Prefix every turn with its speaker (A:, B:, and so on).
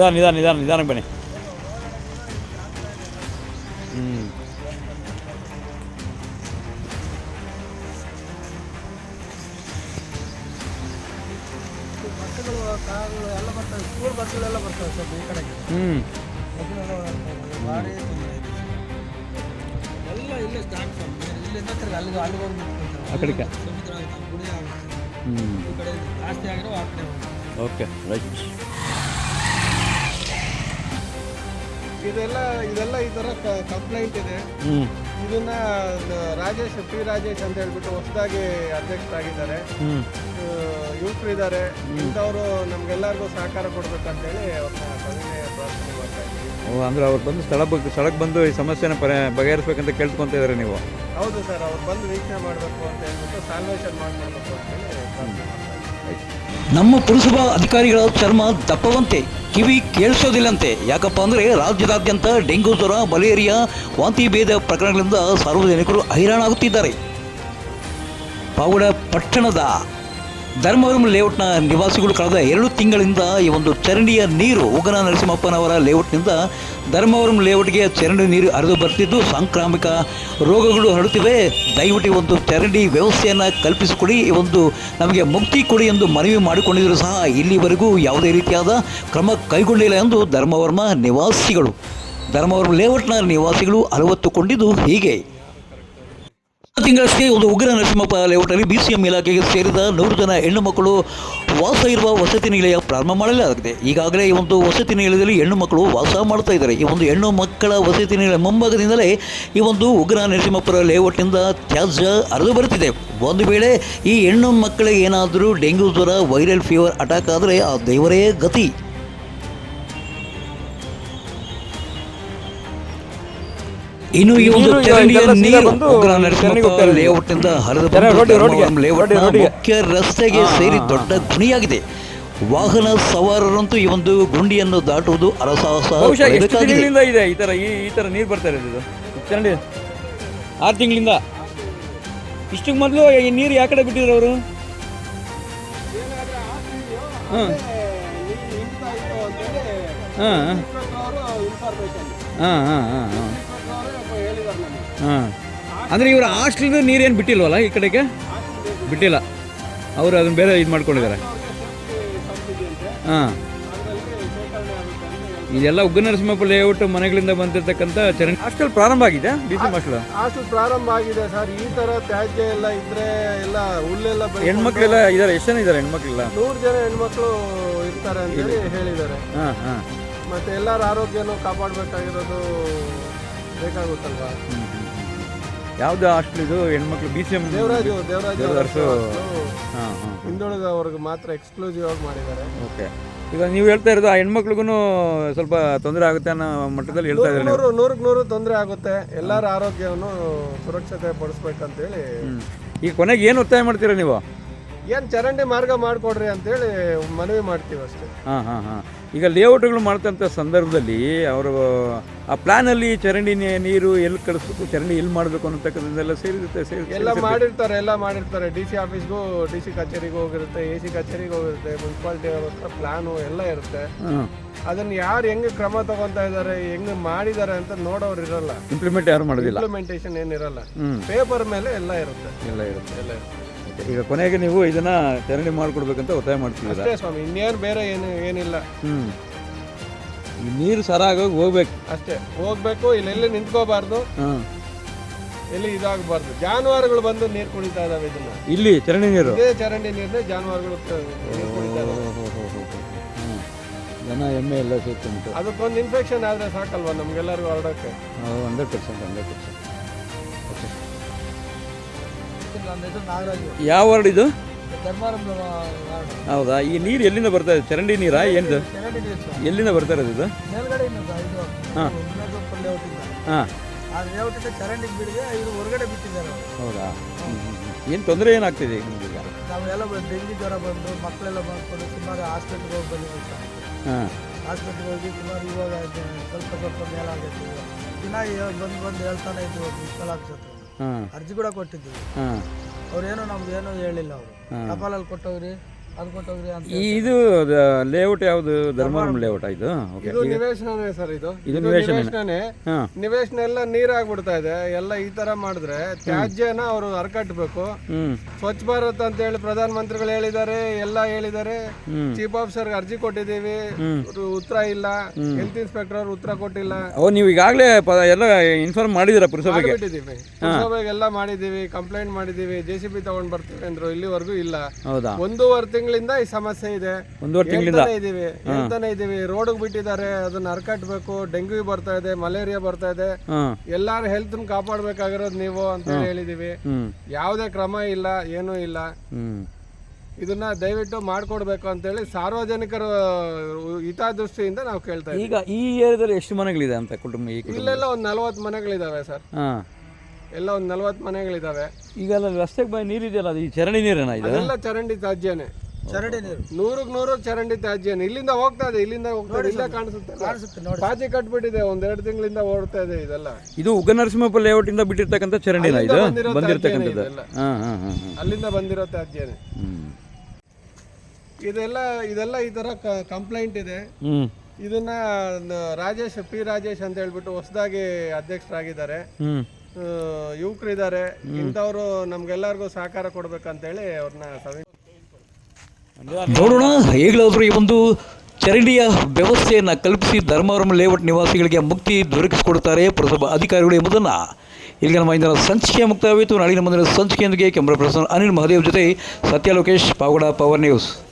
A: ನಿಧಾನಕ್ಕೆ ಬನ್ನಿ.
B: ಎಲ್ಲ ಬರ್ತವೆ, ಸ್ಕೂಲ್ ಬಸ್ಗಳೆಲ್ಲ ಬರ್ತವೆ ಸರ್ ಈ ಕಡೆಗೆ. ಭಾರಿ ಎಲ್ಲ ಇಲ್ಲೇ ಸ್ಟಾರ್ಟ್ ಇಲ್ಲಿಂದ ಅಲ್ಲಿಗೆ ಹೋಗಿ
A: ಆ ಕಡೆಗೆ
B: ಸಮುದ್ರ ಗುಡಿ ಆಗುತ್ತೆ. ಈ ಕಡೆ ಜಾಸ್ತಿ ಆಗಿರೋ ಆ ಕಡೆ
A: ಓಕೆ ರೈಟ್.
B: ಇದೆಲ್ಲ ಈ ಥರ ಕಂಪ್ಲೇಂಟ್ ಇದೆ. ಇದನ್ನ ಪಿ ರಾಜೇಶ್ ಅಂತ ಹೇಳ್ಬಿಟ್ಟು ಹೊಸದಾಗಿ ಅಧ್ಯಕ್ಷರಾಗಿದ್ದಾರೆ. ಯುವಕರು ಇದ್ದಾರೆ, ಇಂಥವರು ನಮ್ಗೆಲ್ಲರಿಗೂ ಸಹಕಾರ ಕೊಡ್ಬೇಕಂತೇಳಿ ಅವ್ರನ್ನ ಸವಿನಯ ಪ್ರಾರ್ಥನೆ ಮಾಡ್ತಾ ಇದ್ದೀವಿ.
A: ಅಂದ್ರೆ ಅವ್ರು ಬಂದು ಸ್ಥಳಕ್ಕೆ ಬಂದು ಈ ಸಮಸ್ಯೆನ ಬಗೆಹರಿಸ್ಬೇಕಂತ ಕೇಳ್ಕೊಂತ ಇದ್ದಾರೆ ನೀವು?
B: ಹೌದು ಸರ್, ಅವ್ರು ಬಂದು ವೀಕ್ಷಣೆ ಮಾಡಬೇಕು ಅಂತ ಹೇಳ್ಬಿಟ್ಟು ಸಾಲ್ವೇಷನ್ ಮಾಡಬೇಕು ಅಂತೇಳಿ ಪ್ರಾರ್ಥನೆ ಮಾಡ್ತಾ ಇದ್ದೀವಿ.
C: ನಮ್ಮ ಪುರಸಭಾ ಅಧಿಕಾರಿಗಳ ಚರ್ಮ ದಪ್ಪವಂತೆ, ಕಿವಿ ಕೇಳಿಸೋದಿಲ್ಲಂತೆ. ಯಾಕಪ್ಪ ಅಂದರೆ ರಾಜ್ಯದಾದ್ಯಂತ ಡೆಂಗು ಜ್ವರ, ಮಲೇರಿಯಾ, ವಾಂತಿ ಭೇದ ಪ್ರಕರಣಗಳಿಂದ ಸಾರ್ವಜನಿಕರು ಹೈರಾಣಾಗುತ್ತಿದ್ದಾರೆ. ಪಾವಗಡ ಪಟ್ಟಣದ ಧರ್ಮವರಂ ಲೇಔಟ್ನ ನಿವಾಸಿಗಳು ಕಳೆದ 2 ತಿಂಗಳಿಂದ ಈ ಒಂದು ಚರಂಡಿಯ ನೀರು ಉಗ್ರ ನರಸಿಂಹಪ್ಪನವರ ಲೇಔಟ್ನಿಂದ ಧರ್ಮವರಂ ಲೇಔಟ್ಗೆ ಚರಂಡಿ ನೀರು ಹರಿದು ಬರ್ತಿದ್ದು ಸಾಂಕ್ರಾಮಿಕ ರೋಗಗಳು ಹರಡುತ್ತಿವೆ. ದಯವಿಟ್ಟು ಒಂದು ಚರಂಡಿ ವ್ಯವಸ್ಥೆಯನ್ನು ಕಲ್ಪಿಸಿಕೊಡಿ, ಈ ಒಂದು ನಮಗೆ ಮುಕ್ತಿ ಕೊಡಿ ಎಂದು ಮನವಿ ಮಾಡಿಕೊಂಡಿದ್ದರೂ ಸಹ ಇಲ್ಲಿವರೆಗೂ ಯಾವುದೇ ರೀತಿಯಾದ ಕ್ರಮ ಕೈಗೊಂಡಿಲ್ಲ ಎಂದು ಧರ್ಮವರಂ ಲೇಔಟ್ನ ನಿವಾಸಿಗಳು ಅಲವತ್ತುಕೊಂಡಿದ್ದು ಹೀಗೆ. ತಿಂಗಳಷ್ಟೇ ಒಂದು ಉಗ್ರ ನರಸಿಂಹಪ್ಪ ಲೇಔಟಲ್ಲಿ BCM ಇಲಾಖೆಗೆ ಸೇರಿದ 100 ಜನ ಹೆಣ್ಣು ಮಕ್ಕಳು ವಾಸ ಇರುವ ವಸತಿ ನಿಲಯ ಪ್ರಾರಂಭ ಮಾಡಲಾಗಿದೆ. ಈಗಾಗಲೇ ಈ ಒಂದು ವಸತಿ ನಿಲಯದಲ್ಲಿ ಹೆಣ್ಣು ಮಕ್ಕಳು ವಾಸ ಮಾಡ್ತಾ ಇದ್ದಾರೆ. ಈ ಒಂದು ಹೆಣ್ಣು ಮಕ್ಕಳ ವಸತಿ ನಿಲಯ ಮುಂಭಾಗದಿಂದಲೇ ಈ ಒಂದು ಉಗ್ರ ನರಸಿಂಹಪ್ಪರ ಲೇಔಟ್ನಿಂದ ತ್ಯಾಜ್ಯ ಹರಿದು ಬರುತ್ತಿದೆ. ಒಂದು ವೇಳೆ ಈ ಹೆಣ್ಣು ಮಕ್ಕಳಿಗೆ ಏನಾದರೂ ಡೆಂಗ್ಯೂ ಜ್ವರ, ವೈರಲ್ ಫೀವರ್ ಅಟ್ಯಾಕ್ ಆದರೆ ಆ ದೇವರೇ ಗತಿ. ಇನ್ನು ಈ ಒಂದು ಚರಂಡಿಯ ನೀರು ಉಗ್ರ ನರಸಿಂಹಪ್ಪ ಲೇಔಟ್ನಿಂದ ಹರಿದು ಲೇಔಟ್ನ ಮುಖ್ಯ ರಸ್ತೆಗೆ ಸೇರಿ ದೊಡ್ಡ ಗುಣಿಯಾಗಿದೆ. ವಾಹನ ಸವಾರರಂತೂ ಈ ಒಂದು ಗುಂಡಿಯನ್ನು ದಾಟುವುದು ಅರಸಾಹಸ.
A: ಇದೆ ಈ ತರ ನೀರು ಬರ್ತಾ ಇರೋದು ಚರಂಡಿ 6 ತಿಂಗಳಿಂದ. ಇಷ್ಟಕ್ಕೆ ಮೊದಲು ಈ ನೀರು ಯಾವ ಕಡೆ ಬಿಟ್ಟಿದ್ರು ಅವರು? ಅಂದರೆ ಇವರು ಹಾಸ್ಟೆಲ್ದು ನೀರೇನು ಬಿಟ್ಟಿಲ್ವಲ್ಲ ಈ ಕಡೆಗೆ? ಬಿಟ್ಟಿಲ್ಲ, ಅವರು ಅದನ್ನು ಬೇರೆ ಇದು ಮಾಡ್ಕೊಂಡಿದ್ದಾರೆ. ಇದೆಲ್ಲ ಉಗ್ರ ನರಸಿಂಹಪ್ಪ ಲೇಔಟ್ ಮನೆಗಳಿಂದ ಬಂದಿರತಕ್ಕಂಥ ಚರಂಡಿ. ಹಾಸ್ಟೆಲ್ ಪ್ರಾರಂಭ ಆಗಿದೆ, BCM
B: ಹಾಸ್ಟೆಲ್ ಪ್ರಾರಂಭ ಆಗಿದೆ ಸರ್. ಈ ಥರ ತ್ಯಾಜ್ಯ ಎಲ್ಲ ಇದ್ರೆ ಎಲ್ಲ ಹುಲ್ಲೆಲ್ಲ
A: ಹೆಣ್ಮಕ್ಳೆಲ್ಲ ಇದ್ದಾರೆ. ಎಷ್ಟು ಜನ ಇದ್ದಾರೆ ಹೆಣ್ಮಕ್ಳೆಲ್ಲ?
B: 100 ಜನ ಹೆಣ್ಮಕ್ಳು ಇರ್ತಾರೆ ಅಂತೇಳಿ ಹೇಳಿದ್ದಾರೆ. ಮತ್ತೆ ಎಲ್ಲರ ಆರೋಗ್ಯನೂ ಕಾಪಾಡಬೇಕಾಗಿರೋದು ಬೇಕಾಗುತ್ತಲ್ವಾ?
A: ಯಾವ್ದು ಹಾಸ್ಟೆಲ್ ಇದು? ಹೆಣ್ಮಕ್ಳು BCM
B: ದೇವರಾಜು ಹಿಂದುಳಿದ ಅವ್ರಿಗೆ ಮಾತ್ರ ಎಕ್ಸ್ಕ್ಲೂಸಿವ್ ಆಗಿ ಮಾಡಿದ್ದಾರೆ.
A: ಓಕೆ. ಈಗ ನೀವು ಹೇಳ್ತಾ ಇರೋದು ಆ ಹೆಣ್ಮಕ್ಳಿಗೂ ಸ್ವಲ್ಪ ತೊಂದರೆ ಆಗುತ್ತೆ ಅನ್ನೋ ಮಟ್ಟದಲ್ಲಿ ಹೇಳ್ತಾ ಇದ್ದಾರೆ.
B: 100% ತೊಂದರೆ ಆಗುತ್ತೆ. ಎಲ್ಲರ ಆರೋಗ್ಯವನ್ನು ಸುರಕ್ಷತೆ ಪಡಿಸ್ಬೇಕಂತೇಳಿ.
A: ಈಗ ಕೊನೆಗೆ ಏನು ಒತ್ತಾಯ ಮಾಡ್ತೀರಾ ನೀವು?
B: ಏನು ಚರಂಡಿ ಮಾರ್ಗ ಮಾಡಿಕೊಡ್ರಿ ಅಂತೇಳಿ ಮನವಿ ಮಾಡ್ತೀವಿ ಅಷ್ಟೇ.
A: ಈಗ ಲೇಔಟ್ಗಳು ಮಾಡ್ತಂಥ ಸಂದರ್ಭದಲ್ಲಿ ಅವರು ಆ ಪ್ಲಾನಲ್ಲಿ ಚರಂಡಿ ನೀರು ಎಲ್ಲಿ ಕಳಿಸ್ಬೇಕು, ಚರಂಡಿ ಎಲ್ಲಿ ಮಾಡಬೇಕು ಅನ್ನತಕ್ಕಂಥದ್ದೆಲ್ಲ
B: ಎಲ್ಲ ಮಾಡಿರ್ತಾರೆ. DC ಆಫೀಸ್ಗೂ, DC ಕಚೇರಿಗೂ ಹೋಗಿರುತ್ತೆ, AC ಕಚೇರಿಗೆ ಹೋಗಿರುತ್ತೆ, ಮುನ್ಸಿಪಾಲ್ಟಿ ಅವ್ರ ಹತ್ರ ಪ್ಲಾನು ಎಲ್ಲ ಇರುತ್ತೆ. ಅದನ್ನ ಯಾರು ಹೆಂಗೆ ಕ್ರಮ ತಗೊಂತಾ ಇದ್ದಾರೆ, ಹೆಂಗೆ ಮಾಡಿದ್ದಾರೆ ಅಂತ ನೋಡೋರು ಇರಲ್ಲ. ಇಂಪ್ಲಿಮೆಂಟೇಷನ್ ಏನಿರಲ್ಲ. ಪೇಪರ್ ಮೇಲೆ ಎಲ್ಲ ಇರುತ್ತೆ.
A: ಈಗ ಕೊನೆಗೆ ನೀವು ಇದನ್ನ ಚರಂಡಿ ಮಾಡ್ಕೊಡ್ಬೇಕಂತ ಒತ್ತಾಯ ಮಾಡ್ತೀವಿ
B: ಅಷ್ಟೇ ಸ್ವಾಮಿ, ಇನ್ನೇನು ಬೇರೆ ಏನಿಲ್ಲ.
A: ಈ ನೀರು ಸರಾಗೋಗಿ ಹೋಗ್ಬೇಕು
B: ಅಷ್ಟೇ, ಹೋಗ್ಬೇಕು. ಇಲ್ಲೆಲ್ಲಿ ನಿಂತ್ಕೋಬಾರ್ದು, ಎಲ್ಲಿ ಇದಾಗಬಾರ್ದು. ಜಾನುವಾರುಗಳು ಬಂದು ನೀರು ಕುಡಿತಾ ಇದಾವೆ. ಇದನ್ನ
A: ಇಲ್ಲಿ ಚರಂಡಿ
B: ನೀರನ್ನೇ ಜಾನುವಾರುಗಳು ಕುಡಿತಾ ಇದಾವೆ.
A: ದನ ಎಮ್ಮೆ ಎಲ್ಲ ಸೇರ್ಕೊಂಡು
B: ಅದಕ್ಕೊಂದು ಇನ್ಫೆಕ್ಷನ್ ಆದ್ರೆ ಸಾಕಲ್ವಾ ನಮ್ಗೆಲ್ಲರಿಗೂ ಹರಡೋಕ್ಕೆ?
A: 100%. ಯಾವ ವಾರ್ಡ್ ಇದು? ಹೌದಾ? ಈ ನೀರು ಎಲ್ಲಿಂದ ಬರ್ತಾ ಇದೆ? ಚರಂಡಿ ನೀರಾ? ಏನು ಎಲ್ಲಿಂದ ಬರ್ತಾ ಇರೋದು ಇದು? ಹೌದಾ? ಏನು ತೊಂದರೆ ಏನಾಗ್ತಿದೆ ನಿಮಗೆ?
B: ನಾವೆಲ್ಲ ಡೆಂಗಿ ಜ್ವರ ಬಂದು ಮಕ್ಕಳೆಲ್ಲ ಬಂದ್ಕೊಂಡು ಸುಮಾರು ಹಾಸ್ಪಿಟ್ಲ್ಗೆ ಹೋಗಿ ಬಂದಿದ್ದೀವಿ. ಹಾಸ್ಪಿಟ್ಲ್ಗೆ ಹೋಗಿ ಸುಮಾರು ಇವಾಗ ಸ್ವಲ್ಪ ಮೇಲಾಗೈತಿ. ದಿನ ಬಂದು ಹೇಳ್ತಾನೆ ಇದ್ವಿ. ಮುನ್ಸಿಪಲ್ ಆಫೀಸ್ ಅರ್ಜಿ ಕೂಡ ಕೊಟ್ಟಿದ್ದೀವಿ. ಅವ್ರೇನೋ ನಮ್ದು ಏನೋ ಹೇಳಿಲ್ಲ. ಅವರು ಟಪಾಲಲ್ಲಿ ಕೊಟ್ಟವ್ರಿ,
A: ಇದು ಲೇಔಟ್ ಯಾವುದು ಧರ್ಮವರಂ ಲೇಔಟ್ ಇದು ಓಕೆ
B: ಇದು ನಿವೇಶನನೇ ಸರ್, ಇದು
A: ಇದು ನಿವೇಶನನೇ.
B: ನಿವೇಶನನೇ.
A: ಹಾಂ
B: ನಿವೇಶನ ಎಲ್ಲ ನೀರಾಗ್ಬಿಡ್ತಾ ಇದೆ. ಎಲ್ಲ ಈ ತರ ಮಾಡಿದ್ರೆ ತ್ಯಾಜ್ಯನ ಅವರು ಹರ್ಕಟ್ಬೇಕು.
A: ಹ್ಞೂ
B: ಸ್ವಚ್ಛ ಭಾರತ್ ಅಂತ ಹೇಳಿ ಪ್ರಧಾನ ಮಂತ್ರಿಗಳು ಹೇಳಿದ್ದಾರೆ, ಎಲ್ಲ ಹೇಳಿದ್ದಾರೆ.
A: ಹ್ಞೂ
B: ಚೀಫ್ ಆಫೀಸರ್ ಅರ್ಜಿ ಕೊಟ್ಟಿದ್ದೀವಿ, ಉತ್ತರ ಇಲ್ಲ. ಹೆಲ್ತ್ ಇನ್ಸ್ಪೆಕ್ಟರ್ ಅವ್ರು ಉತ್ತರ ಕೊಟ್ಟಿಲ್ಲ.
A: ನೀವು ಈಗಾಗಲೇ ಎಲ್ಲ ಇನ್ಫಾರ್ಮ್ ಮಾಡಿದ್ದೀರಾ ಪುರಸಭೆಗೆ?
B: ಮಾಡಿದ್ದೀವಿ, ಪುರಸಭೆಗೆಲ್ಲ ಮಾಡಿದ್ದೀವಿ, ಕಂಪ್ಲೇಂಟ್ ಮಾಡಿದ್ದೀವಿ, JCB ತಗೊಂಡ್ ಬರ್ತೀವಿ ಅಂದ್ರು. ಇಲ್ಲಿವರೆಗೂ ಇಲ್ಲ.
A: ಹೌದಾ?
B: 1.5 ತಿಂಗಳಿಂದ ಈ ಸಮಸ್ಯೆ ಇದೆ.
A: 1.5 ತಿಂಗಳಿಂದ
B: ಹೇಳ್ತಾನೆ ಇದೀವಿ. ರೋಡ್ಗೆ ಬಿಟ್ಟಿದ್ದಾರೆ, ಅದನ್ನ ಹರ್ಕಟ್ಬೇಕು. ಡೆಂಗ್ಯೂ ಬರ್ತಾ ಇದೆ, ಮಲೇರಿಯಾ ಬರ್ತಾ ಇದೆ.
A: ಹಾಂ
B: ಎಲ್ಲಾರು ಹೆಲ್ತ್ ಕಾಪಾಡ್ಬೇಕಾಗಿರೋದು ನೀವು ಅಂತ ಹೇಳಿದೀವಿ.
A: ಹ್ಞೂ
B: ಯಾವುದೇ ಕ್ರಮ ಇಲ್ಲ, ಏನೂ ಇಲ್ಲ.
A: ಹ್ಞೂ
B: ಇದನ್ನ ದಯವಿಟ್ಟು ಮಾಡ್ಕೊಡ್ಬೇಕು ಅಂತೇಳಿ ಸಾರ್ವಜನಿಕರ ಹಿತದೃಷ್ಟಿಯಿಂದ ನಾವು ಕೇಳ್ತಾ ಇದ್ದೀವಿ.
A: ಈಗ ಈ ಏರಿಯಾದಲ್ಲಿ ಎಷ್ಟು ಮನೆಗಳಿದೆ ಅಂತ ಕುಟುಂಬ? ಈ ಕುಟುಂಬ
B: ಇಲ್ಲೆಲ್ಲ ಒಂದು 40 ಮನೆಗಳಿದಾವೆ ಸರ್.
A: ಹಾಂ
B: ಎಲ್ಲ ಒಂದು 40 ಮನೆಗಳಿದಾವೆ.
A: ಈಗ ಅಲ್ಲ ರಸ್ತೆಗೆ ನೀರಿದೆಯಲ್ಲ, ಅದು ಈ ಚರಂಡಿ ನೀರೇನಾ ಇದು?
B: ಎಲ್ಲ ಚರಂಡಿ ತ್ಯಾಜ್ಯನೇ. ಚರಂಡಿ ನೀರು 100 ಚರಂಡಿ ತ್ಯಾಜ್ಯನೇ. ಇಲ್ಲಿಂದ ಹೋಗ್ತಾ ಇದೆ, ಇಲ್ಲಿಂದ ಇಲ್ಲ ಕಾಣಿಸುತ್ತೆ. ಪಾಚಿ ಕಟ್ಬಿಟ್ಟಿದೆ, 1-2 ತಿಂಗಳಿಂದ ಓಡ್ತಾ ಇದೆ ಇದೆಲ್ಲ.
A: ಇದು ಉಗ್ಗನರಸಿಂಹಪ್ಪ ಲೇಔಟ್ ಇಂದ ಬಿಟ್ಟಿರ್ತಕ್ಕಂಥ ಚರಂಡಿನ ಇದು ಬಂದಿರತಕ್ಕಂಥದ್ದು? ಹಾಂ ಹಾಂ ಹಾಂ
B: ಅಲ್ಲಿಂದ ಬಂದಿರೋ ತ್ಯಾಜ್ಯನೇ. ಇದೆಲ್ಲ ಈ ತರ ಕಂಪ್ಲೇಂಟ್ ಇದೆ. ಇದನ್ನ ರಾಜೇಶ್ ಅಂತ ಹೇಳ್ಬಿಟ್ಟು ಹೊಸದಾಗಿ ಅಧ್ಯಕ್ಷರಾಗಿದ್ದಾರೆ. ಯುವಕರಿದ್ದಾರೆ. ಇಂಥವ್ರು ನಮ್ಗೆಲ್ಲರಿಗೂ ಸಹಕಾರ ಕೊಡ್ಬೇಕಂತೇಳಿ ಅವ್ರನ್ನ
C: ನೋಡೋಣ ಹೇಗಾದರೂ ಈ ಒಂದು ಚರಂಡಿಯ ವ್ಯವಸ್ಥೆಯನ್ನು ಕಲ್ಪಿಸಿ ಧರ್ಮವರಂ ಲೇಔಟ್ ನಿವಾಸಿಗಳಿಗೆ ಮುಕ್ತಿ ದೊರಕಿಸಿಕೊಡುತ್ತಾರೆ ಪುರಸಭಾ ಅಧಿಕಾರಿಗಳು ಎಂಬುದನ್ನು ಇಲ್ಲಿನ ಮೈದಾನ ಸಂಚಿಕೆ ಮುಕ್ತಾಯವಾಯಿತು. ನಾಳಿನ ಮುಂದಿನ ಸಂಚಿಕೆಯೊಂದಿಗೆ ಕ್ಯಾಮರಾ ಪರ್ಸನ್ ಅನಿಲ್ ಮಹದೇವ್ ಜೊತೆ ಸತ್ಯ ಲೋಕೇಶ್, ಪಾವಗಡ, ಪವರ್ ನ್ಯೂಸ್.